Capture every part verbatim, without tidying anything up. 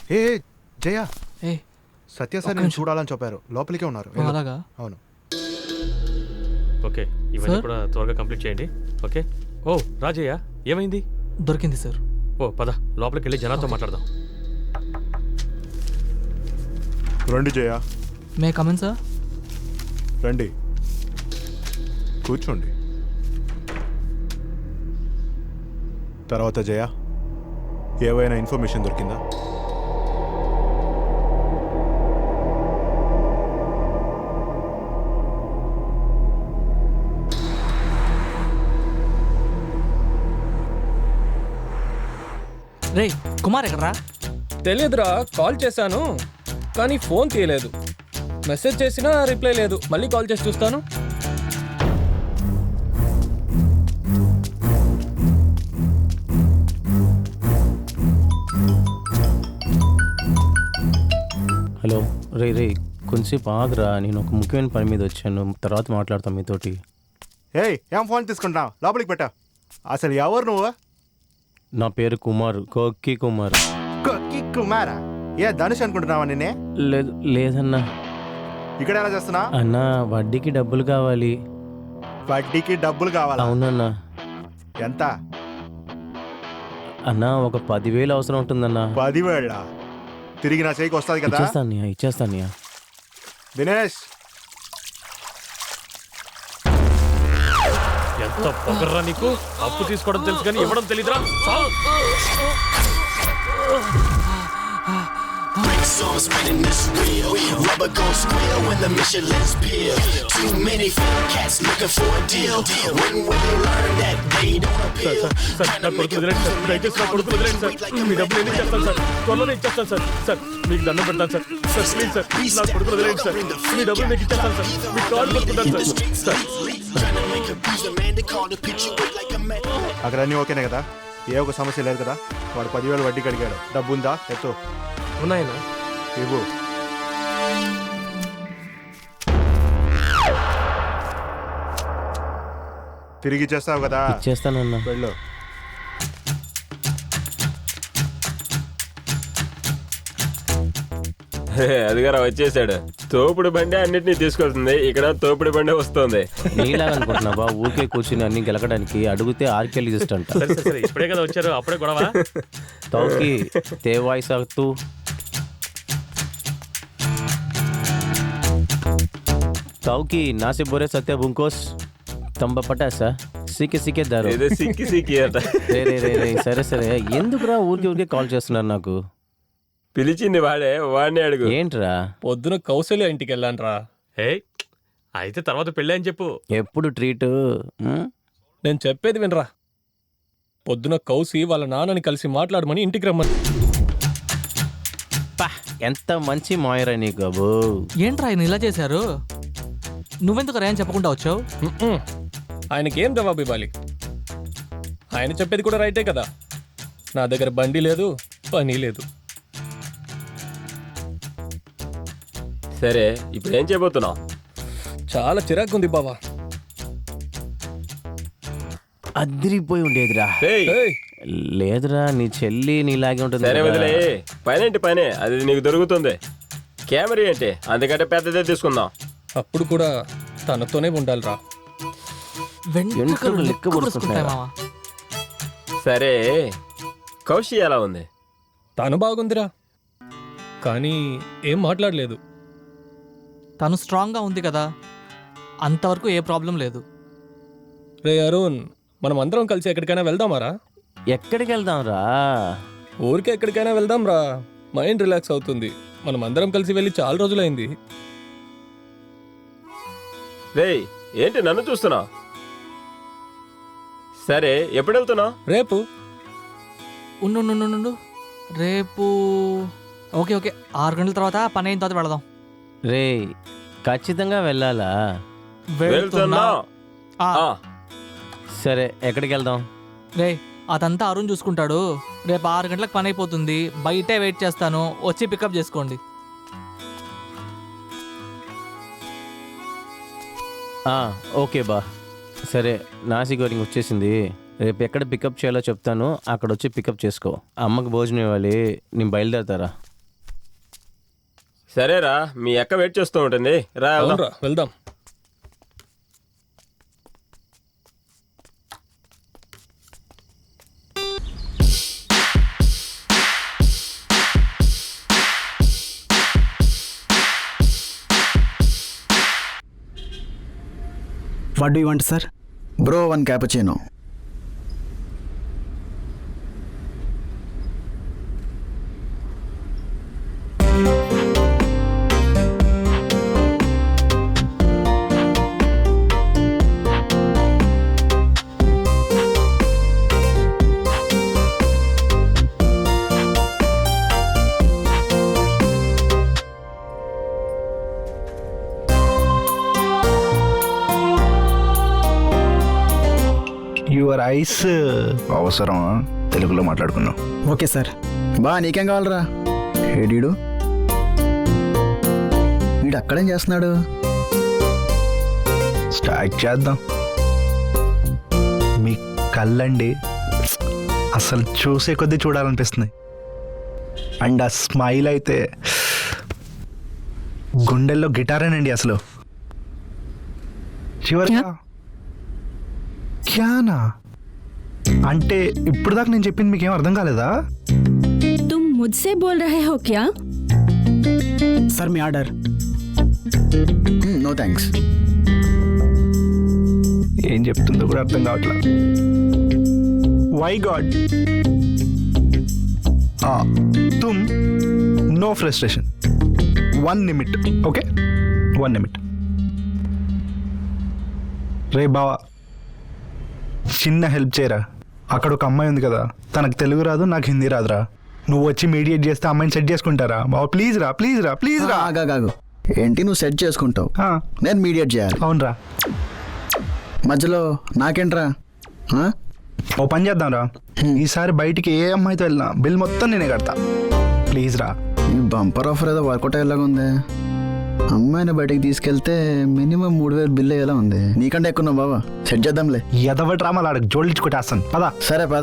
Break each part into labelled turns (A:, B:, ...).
A: ఏ జయ
B: ఏ
A: సత్య sir నేను చూడాలని చెప్పారు, లోపలికే ఉన్నారు.
B: అలాగా?
A: అవును.
C: ఓకే, ఇవన్నీ కూడా త్వరగా కంప్లీట్ చేయండి. ఓకే. ఓ రాజయ్య, ఏమైంది?
B: దొరికింది సార్.
C: ఓ పద, లోపలికి వెళ్ళి జనాతో మాట్లాడదాం.
A: రండి జయ.
B: మే కమన్ సార్.
A: రండి, కూర్చోండి. తర్వాత జయ, ఏవైనా ఇన్ఫర్మేషన్ దొరికిందా?
B: రే కుమార్ ఎక్కడ్రా?
D: తెలియదురా, కాల్ చేశాను కానీ ఫోన్ తీయలేదు. మెసేజ్ చేసినా రిప్లై లేదు. మళ్ళీ కాల్ చేసి చూస్తాను.
E: హలో రే రే కొంచెంసేపు ఆగరా, నేను ఒక ముఖ్యమైన పని మీద వచ్చాను, తర్వాత మాట్లాడతాం మీతోటి.
A: ఏయ్, ఏం ఫోన్ తీసుకుంటావు? లోపలికి పెట్టా. అసలు ఎవరు నువ్వు?
E: నా పేరు కుమార్, కొక్కి కుమార్.
A: కొక్కి కుమారా? ఏ ధనుష్ అనుకుంటున్నావా నిన్నే?
E: లేదు లేదన్నా.
A: ఇక్కడ ఎలా చేస్తున్నా?
E: అన్నా వడ్డీకి డబ్బులు కావాలి.
A: వడ్డీకి డబ్బులు కావాలా?
E: అవునన్నా.
A: ఎంత?
E: అన్నా ఒక పదివేలు అవసరం ఉంటుందన్నా.
A: పదివేళ్ళ తిరిగి నా చేయికి వస్తుంది కదా?
E: ఇచ్చేస్తాను ఇచ్చేస్తాను.
A: దినేష్,
C: ఎంత పొగర్రా నీకు! అప్పు తీసుకోవడం తెలుసు కానీ ఇవ్వడం తెలీదురా.
F: Songs spinning this wheel, rubber gon' squeal when the Michelin's peel. Too many fat cats looking for a deal. When will they learn that they don't appeal?
C: Sir, నా కొడుకు వదిలేండి సార్, దయచేసి నా కొడుకు వదిలేండి సార్. మీ డబ్బులు ఎన్ని ఇచ్చేస్తాను సార్, త్వరలోనే ఇచ్చేస్తాను సార్. సార్ మీకు దండం పెడతాను సార్. సార్ ప్లీజ్ సార్, నా కొడుకు వదిలేండి సార్. మీ డబ్బులు మీకు ఇచ్చేస్తాను సార్. మీ కాల్ పట్టుకుంటాను సార్.
A: అక్కడ అన్నీ ఓకేనే కదా? ఏ ఒక సమస్య లేదు కదా? వాడు పదివేలు వడ్డీకి అడిగాడు. డబ్బు ఉందా? ఎత్తు.
C: ఉన్నాయన్నా?
A: ఇవ్వు. తిరిగి చేస్తావు కదా?
E: ఇచ్చేస్తానన్నా.
A: వెళ్ళు.
G: అదిగారా వచ్చేసాడు. తోపుడు బండి అన్నిటినీ తీసుకొస్తుంది, ఇక్కడ తోపుడు బండి వస్తుంది.
E: నీలాగా అనుకుంటున్నావా ఊరికే కూర్చుని అన్ని గెలకడానికి? అడిగితే ఆర్కెల్ లిస్ట్ అంట.
C: ఇప్పుడే కదా వచ్చారు, అప్పుడే గొడవ.
E: తౌకి తేవాయి సాగుతూ తౌకి నాసి బోరే సత్య బుంకోస్ తంబ పటాసా సీకే సీకే దారు.
G: ఏదో సిక్కి సిక్కి అట.
E: రే రే రే రే సరే సరే, ఎందుకురా ఊరికే ఊరికే కాల్ చేస్తున్నారు నాకు?
G: పిలిచింది వాడే, వాడిని అడుగు.
E: ఏంట్రా?
D: పొద్దున కౌశల్య ఇంటికి వెళ్ళాను రా.
C: ఏ అయితే తర్వాత పెళ్ళి అని చెప్పు.
E: ఎప్పుడు ట్రీట్?
D: నేను చెప్పేది వినరా. పొద్దున కౌసి వాళ్ళ నాన్నని కలిసి మాట్లాడమని ఇంటికి రమ్మని.
E: ఎంత మంచి మాయరా నీకు అబ్బో.
B: ఏంట్రా ఆయన ఇలా చేశారు? నువ్వెందుకు రా అని చెప్పకుండా వచ్చావు?
D: ఆయనకి ఏం జవాబు ఇవ్వాలి? ఆయన చెప్పేది కూడా రైటే కదా. నా దగ్గర బండి లేదు, పని లేదు.
G: సరే ఇప్పుడు ఏం చేయబోతున్నావు?
D: చాలా చిరాకుంది బావా.
E: అదిరిపోయి ఉండేదిరా.
G: ఏయ్,
E: లేదురా, నీ చెల్లి నీలాగే ఉంటుంది.
G: సరే వదిలే, పనేంటి పనే, అది నీకు దొరుకుతుంది. కెమెరా ఏంటి, అందుకంటే పెద్దదే తీసుకుందాం.
D: అప్పుడు కూడా తనతోనే ఉండాలిరా.
B: వెంట్రుకలు లెక్క పొడుచుకుంటాయి మావా.
G: సరే కౌశి ఎలా ఉంది?
D: తను బాగుందిరా, కానీ ఏం మాట్లాడలేదు.
B: తను స్ట్రాంగ్గా ఉంది కదా, అంతవరకు ఏ ప్రాబ్లం లేదు.
D: రే అరుణ్, మనం అందరం కలిసి ఎక్కడికైనా వెళ్దామారా?
E: ఎక్కడికి వెళ్దాం రా?
D: ఊరికే ఎక్కడికైనా వెళ్దాం రా, మైండ్ రిలాక్స్ అవుతుంది. మనం అందరం కలిసి వెళ్ళి చాలా రోజులైంది.
G: రేయ్ ఏంటి నన్ను చూస్తున్నావు? సరే ఎప్పుడు వెళ్తున్నావు?
D: రేపు.
B: ఉండు ఉండు ఉండు రేపు ఓకే ఓకే ఆరు గంటల తర్వాత పని అయిన తర్వాత వెళదాం.
E: రే ఖచ్చితంగా వెళ్ళాలా?
G: వెళ్తున్నా.
E: సరే ఎక్కడికి వెళ్దాం?
B: రే అదంతా అరుణ్ చూసుకుంటాడు. రేపు ఆరు గంటలకు పని అయిపోతుంది, బయటే వెయిట్ చేస్తాను, వచ్చి పికప్ చేసుకోండి.
E: ఓకే బా. సరే నాసి గోరింగ్ వచ్చేసింది, రేపు ఎక్కడ పికప్ చేయాలో చెప్తాను, అక్కడ వచ్చి పికప్ చేసుకో. అమ్మకి భోజనం ఇవ్వాలి, నేను బయలుదేరతారా?
G: సరేరా మీ అక్క వెయిట్ చేస్తూ ఉంటుంది రా వెళ్దాం.
D: అవునరా వెళ్దాం.
H: What do you want sir?
I: Bro one cappuccino.
A: Your ice అవసరం, తెలుగులో మాట్లాడుకుందాం.
H: Okay sir.
I: బా నీకేం కావాలరా? ఏడీడు వీడు అక్కడేం చేస్తున్నాడు?
A: స్టార్ట్ చేద్దాం. మీ కళ్ళండి అసలు చూసే కొద్దీ చూడాలనిపిస్తుంది. అండ్ ఆ స్మైల్ అయితే గుండెల్లో గిటారేనండి అసలు. చివరిగా క్యానా అంటే ఇప్పుడు దాకా నేను చెప్పింది మీకేం అర్థం కాలేదా?
J: तुम मुझसे बोल रहे हो क्या?
H: సార్ మీ ఆర్డర్.
I: No thanks.
A: ఏం చెప్తుందో కూడా అర్థం కావట్లా. వై గాడ్ తుమ్ no frustration, one minute. Okay one minute. రే బావా చిన్న హెల్ప్ చేయరా. అక్కడ ఒక అమ్మాయి ఉంది కదా, తనకు తెలుగు రాదు, నాకు హిందీ రాదురా. నువ్వు వచ్చి మీడియేట్ చేస్తే అమ్మాయిని సెట్ చేసుకుంటారా బావా? ప్లీజ్ రా, ప్లీజ్ రా, ప్లీజ్ రా.
I: ఆగాగాగు. ఏంటి నువ్వు సెట్ చేసుకుంటావు,
A: ఆ,
I: నేను మీడియేట్ చేయాలి.
A: అవునరా.
I: మధ్యలో నాకేంట్రా? ఆ?
A: ఓ పని చేద్దాం రా, ఈసారి బయటికి ఏ అమ్మాయితో వెళ్ళినా బిల్ మొత్తం నేనే కడతా. ప్లీజ్ రా.
I: ఈ బంపర్ ఆఫర్ ఏదో వర్కౌట్ అయ్యేలాగా ఉంది. అమ్మాయిని బయటికి తీసుకెళ్తే మినిమం మూడు వేలు బిల్ అయ్యేలా ఉంది. నీకంటే ఎక్కువ బాబా, సెట్ చేద్దాంలే.
A: ఎదవటి రామాలు ఆడకు జోడించి కొట్టేస్తాను పదా.
I: సరే పద.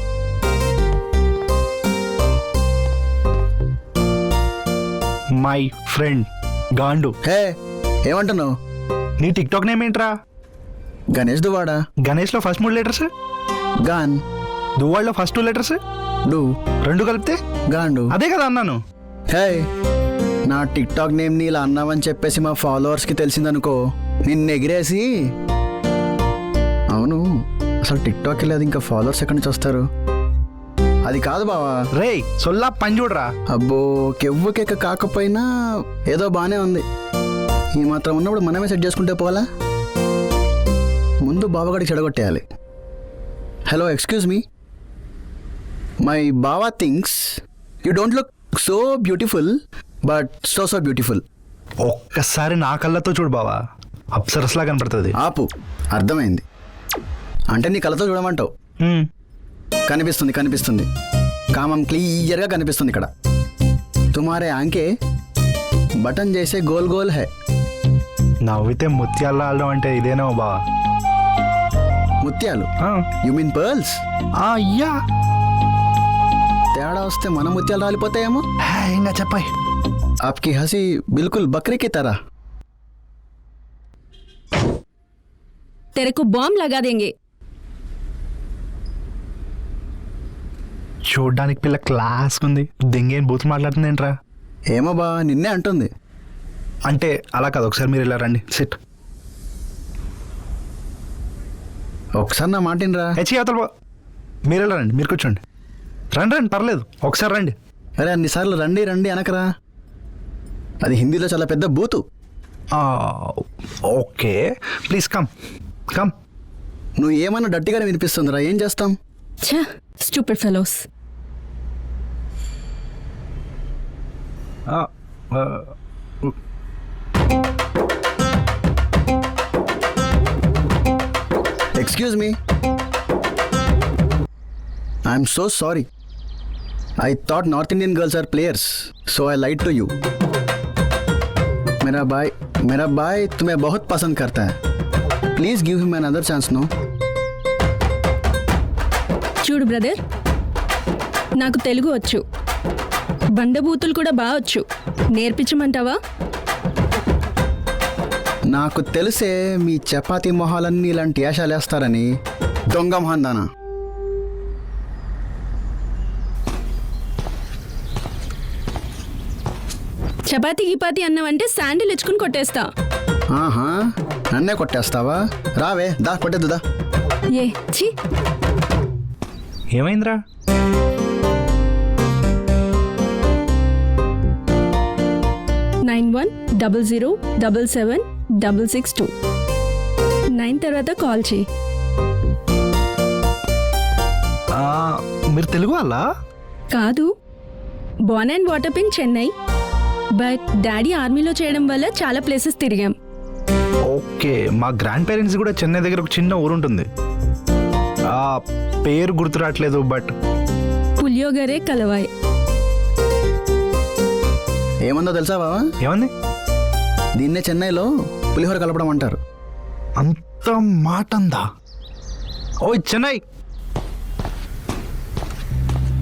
A: My friend గాండు.
I: హే ఏమంటున్నావు?
A: నీ టిక్ టాక్ నేమ్ ఏంట్రా?
I: గణేష్ దువాడా.
A: గణేష్లో ఫస్ట్ మూడు లెటర్స్,
I: గాన్.
A: దువ్వాళ్ళలో ఫస్ట్ టూ లెటర్స్,
I: డు.
A: రెండు కలిపితే
I: గాండు.
A: అదే కదా అన్నాను.
I: హే నా టిక్ టాక్ నేమ్ ని ఇలా అన్నావని చెప్పేసి మా ఫాలోవర్స్కి తెలిసిందనుకో, నిన్ను ఎగిరేసి. అవును, అసలు టిక్ టాక్ లేదు, ఇంకా ఫాలోవర్స్ ఎక్కడి నుంచి వస్తారు? అది కాదు బావా.
A: రే సొల్లా పని చూడరా.
I: అబ్బో కెవ్వు కేక కాకపోయినా ఏదో బాగానే ఉంది. ఈ మాత్రం ఉన్నప్పుడు మనమే సెట్ చేసుకుంటే పోవాలా? ముందు బావగాడికి చెడగొట్టేయాలి. హలో ఎక్స్క్యూజ్ మీ, మై బావా things you don't look so beautiful but so so beautiful.
A: ఒక్కసారి నా కళ్ళతో చూడు బావా, అప్సరస్లా కనపడుతుంది.
I: ఆపు, అర్థమైంది. అంటే నీ కళ్ళతో చూడమంటావు.
A: హ్మ్.
I: కనిపిస్తుంది కనిపిస్తుంది కామం క్లియర్గా కనిపిస్తుంది ఇక్కడ. తుమారే ఆంకే బటన్ చేసే గోల్ గోల్ హై.
A: నవ్వితే ముత్యాలు ఆడడం అంటే ఇదేనో బావా.
I: ముత్యాలు?
A: ఆ.
I: You mean pearls?
A: అయ్యా
I: తేడా వస్తే మన ముత్యాలు రాలిపోతాయేమో.
A: ఇంకా చెప్పాయి.
I: आपकी हंसी बिल्कुल बकरे की तरह.
J: तेरे को बॉम्ब लगा देंगे.
A: చూడ్డానికి పిల్ల క్లాస్ ఉంది, దెంగేం బూత్ మాట్లాడుతుంది ఏంట్రా?
I: ఏమో బా, నిన్నే అంటుంది.
A: అంటే అలా కాదు, ఒకసారి మీరు ఇలా రండి. సిట్.
I: ఒకసారి నా మాటినరా.
A: హెచ్చి అవతల బా. మీరు ఇలా రండి, మీరు కూర్చోండి. రండి రండి, పర్లేదు, ఒకసారి రండి.
I: అరే అన్నిసార్లు రండి రండి అనకరా, అది హిందీలో చాలా పెద్ద బూతు.
A: Okay please come come.
I: నువ్వు ఏమన్నా డట్టిగానే వినిపిస్తుందిరా, ఏం చేస్తాం?
J: छह stupid fellows.
I: Excuse me. I'm so sorry. I thought North Indian girls are players, so I lied to you. मेरा भाई मेरा भाई तुम्हें बहुत पसंद करता है. Please give him another chance, no?
J: చూడు బ్రదర్, నాకు తెలుగు వచ్చు, బండబూతులు కూడా బావచ్చు. నేర్పించమంటావా?
I: నాకు తెలిసే మీ చపాతీ మొహాలన్నీ ఇలాంటి వేషాలు వేస్తారని. దొంగ మొహం దానా.
J: చపాతీ గిపాతి అన్నావంటే శాండిల్ ఇచ్చుకుని కొట్టేస్తా.
I: ఆహా, నన్నే కొట్టేస్తావా? రావే, దా కొట్టేద్దుదా.
J: ఏ ఛీ,
A: ఏమైందిరా?
J: Nine one double zero double seven double six two. Nine తర్వాత కాల్ చేయి.
A: ఆ, మీరు తెలుగు వాళ్ళ?
J: కాదు, born and water in Chennai, but daddy ఆర్మీలో చేయడం వల్ల చాలా ప్లేసెస్ తిరిగాం.
A: ఓకే, మా గ్రాండ్ పేరెంట్స్ కూడా చెన్నై దగ్గర ఒక చిన్న ఊరు ఉంటుంది. ఆ పేరు గుర్తు రావట్లేదు, బట్
J: పులియోగరే కలవాయ్.
I: ఏమందో తెలుసా బావా?
A: ఏమంది?
I: దీన్నే చెన్నైలో పులిహోర కలపడం అంటారు.
A: అంత మాట అందా? ఓ చెన్నై